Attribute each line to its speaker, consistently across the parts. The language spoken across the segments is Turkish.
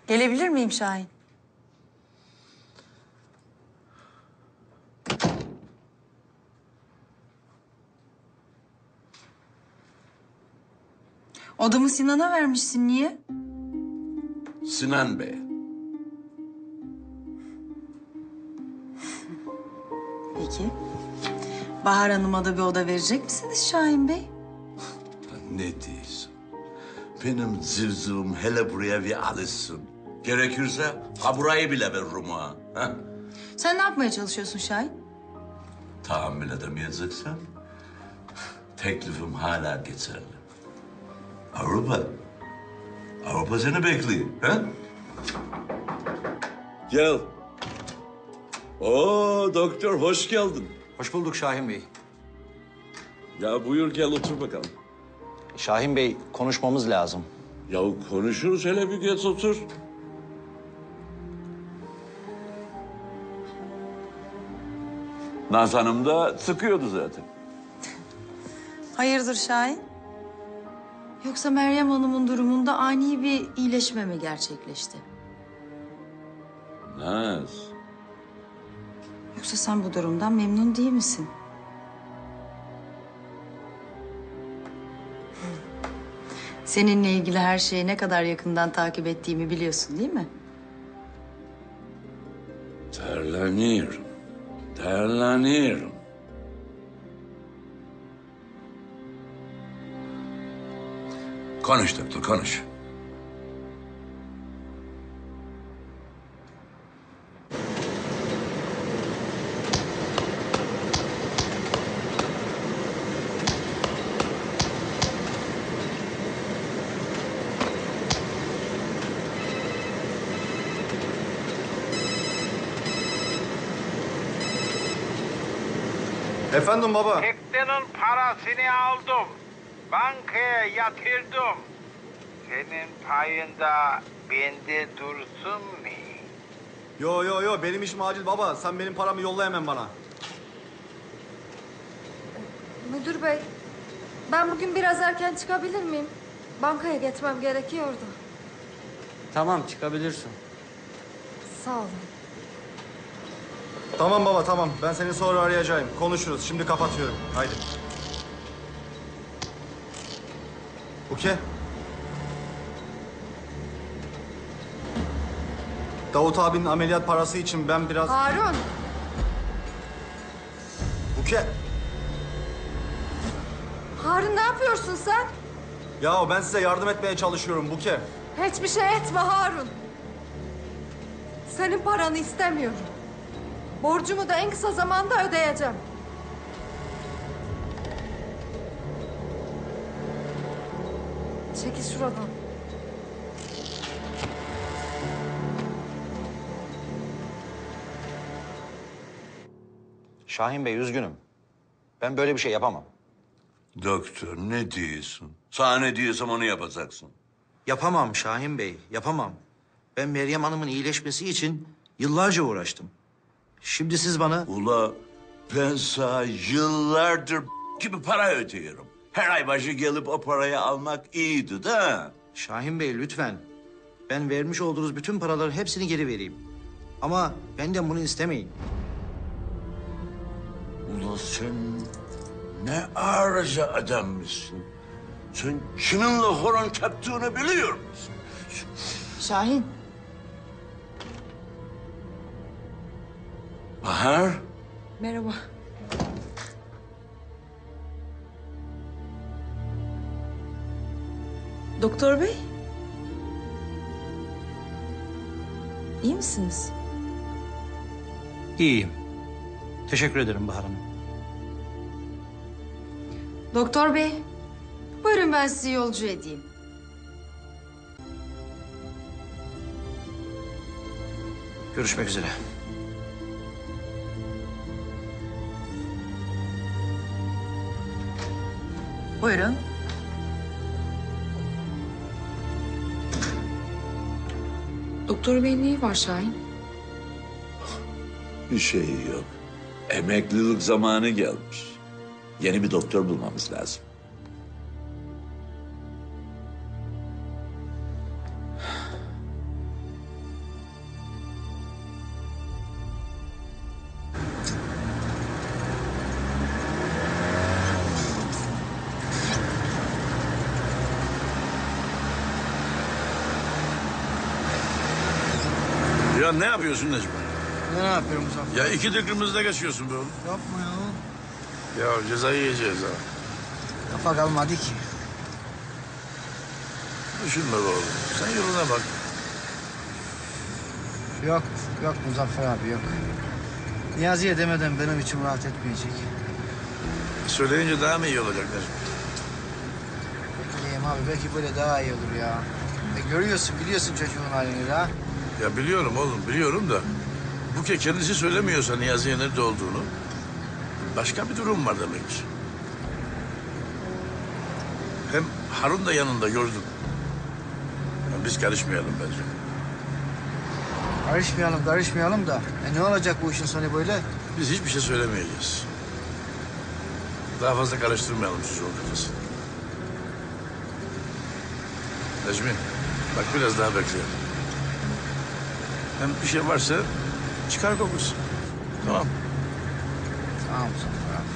Speaker 1: Gelebilir miyim Şahin? Odamı Sinan'a vermişsin. Niye?
Speaker 2: Sinan Bey.
Speaker 1: Peki. Bahar Hanım'a da bir oda verecek misiniz Şahin Bey?
Speaker 2: Ne diyorsun? Benim zivzivim hele buraya bir alışsın. Gerekirse ha burayı bile veririm ha. Ha?
Speaker 1: Sen ne yapmaya çalışıyorsun Şahin?
Speaker 2: Tahammül edemeyeceksen teklifim hala geçerli. Avrupa. Avrupa seni bekliyor. Ha? Gel. Oo doktor hoş geldin.
Speaker 3: Hoş bulduk Şahin Bey.
Speaker 2: Ya buyur gel otur bakalım.
Speaker 3: Şahin Bey, konuşmamız lazım.
Speaker 2: Ya konuşuruz hele bir geç otur. Naz Hanım da sıkıyordu zaten.
Speaker 1: Hayırdır Şahin? Yoksa Meryem Hanım'ın durumunda ani bir iyileşme mi gerçekleşti?
Speaker 2: Naz.
Speaker 1: Yoksa sen bu durumdan memnun değil misin? Seninle ilgili her şeyi ne kadar yakından takip ettiğimi biliyorsun değil mi?
Speaker 2: Terleniyorum. Terleniyorum. Konuş doktor, konuş.
Speaker 4: Efendim baba.
Speaker 5: Teknenin parasını aldım. Bankaya yatırdım. Senin payında bende dursun mu?
Speaker 4: Yo benim işim acil baba. Sen benim paramı yolla hemen bana.
Speaker 6: Müdür bey, ben bugün biraz erken çıkabilir miyim? Bankaya geçmem gerekiyordu.
Speaker 7: Tamam, çıkabilirsin.
Speaker 6: Sağ olun.
Speaker 4: Tamam baba tamam. Ben seni sonra arayacağım. Konuşuruz. Şimdi kapatıyorum. Haydi. Okey. Davut abinin ameliyat parası için ben biraz...
Speaker 6: Harun,
Speaker 4: Okey.
Speaker 6: Harun ne yapıyorsun sen?
Speaker 4: Ya ben size yardım etmeye çalışıyorum Buke.
Speaker 6: Hiçbir şey etme Harun. Senin paranı istemiyorum. Borcumu da en kısa zamanda ödeyeceğim. Çekil şuradan.
Speaker 3: Şahin Bey, üzgünüm. Ben böyle bir şey yapamam.
Speaker 2: Doktor ne diyorsun? Sana ne diyorsam onu yapacaksın.
Speaker 8: Yapamam Şahin Bey, yapamam. Ben Meryem Hanım'ın iyileşmesi için yıllarca uğraştım. Şimdi siz bana...
Speaker 2: Ula ben sana yıllardır gibi para ödüyorum. Her ay başı gelip o parayı almak iyiydi da.
Speaker 8: Şahin Bey lütfen. Ben vermiş olduğunuz bütün paraların hepsini geri vereyim. Ama benden bunu istemeyin.
Speaker 2: Ula sen ne arıza adammışsın. Sen kiminle horon kaptığını biliyor musun?
Speaker 1: Şahin,
Speaker 2: Bahar.
Speaker 1: merhaba. Doktor bey. İyi misiniz?
Speaker 8: İyiyim. Teşekkür ederim Bahar Hanım.
Speaker 1: Doktor bey, buyurun ben sizi yolcu edeyim.
Speaker 8: Görüşmek üzere.
Speaker 1: Buyurun. Doktor beyin neyi var Şahin?
Speaker 2: Bir şey yok. Emeklilik zamanı gelmiş. Yeni bir doktor bulmamız lazım.
Speaker 9: Ya ne yapıyorsun Necmi?
Speaker 8: Ne yapıyorum Muzaffer?
Speaker 9: Ya iki dıkımızda geçiyorsun be oğlum.
Speaker 8: Yapma ya.
Speaker 9: Ya cezayı yiyeceğiz ha.
Speaker 8: Kafa kalmadı ki.
Speaker 9: Düşünme be oğlum. Sen yoluna bak.
Speaker 8: Yok, yok Muzaffer abi yok. Niyazi'ye demeden benim içim rahat etmeyecek.
Speaker 9: Söyleyince daha mı iyi olacak Necmi?
Speaker 8: Bekleyeyim abi belki böyle daha iyi olur ya. Görüyorsun biliyorsun çocuğun halini de ha.
Speaker 9: Ya biliyorum oğlum biliyorum da... Buke kendisi söylemiyorsa Niyazi'ye nerede olduğunu... Başka bir durum var demek ki. Hem Harun da yanında gördüm. Ya biz karışmayalım bence.
Speaker 8: Karışmayalım da. Ne olacak bu işin sonu böyle?
Speaker 9: Biz hiçbir şey söylemeyeceğiz. Daha fazla karıştırmayalım çocuğun kafasını. Necmi, bak biraz daha bekleyelim. Hem bir şey varsa çıkar kokusu. Tamam.
Speaker 8: Tamam Muzaffer abi.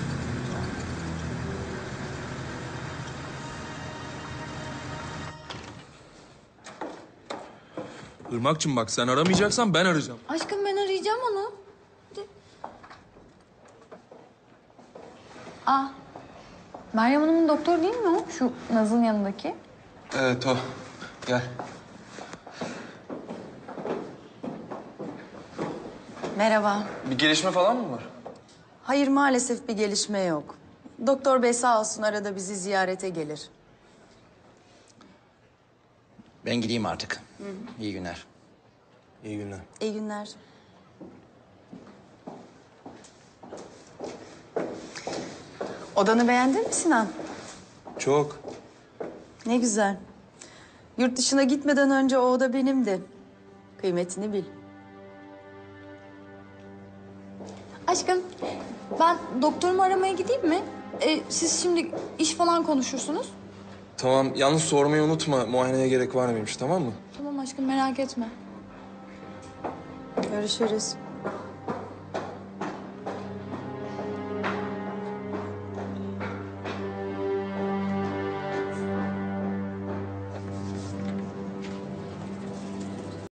Speaker 10: Irmak'cığım bak sen aramayacaksan ben arayacağım.
Speaker 6: Aşkım ben arayacağım onu.
Speaker 11: Meryem Hanım'ın doktoru değil mi o? Şu Naz'ın yanındaki.
Speaker 10: Evet o. Gel.
Speaker 1: Merhaba.
Speaker 10: Bir gelişme falan mı var?
Speaker 1: Hayır maalesef bir gelişme yok. Doktor bey sağ olsun arada bizi ziyarete gelir.
Speaker 3: Ben gideyim artık. İyi günler.
Speaker 10: İyi günler.
Speaker 1: İyi günler. Odanı beğendin mi Sinan?
Speaker 10: Çok.
Speaker 1: Ne güzel. Yurt dışına gitmeden önce o oda benimdi. Kıymetini bil.
Speaker 11: Aşkım ben doktorumu aramaya gideyim mi? Siz şimdi iş falan konuşursunuz.
Speaker 10: Tamam yalnız sormayı unutma. Muayeneye gerek var mıymış tamam mı?
Speaker 11: Tamam aşkım merak etme.
Speaker 1: Görüşürüz.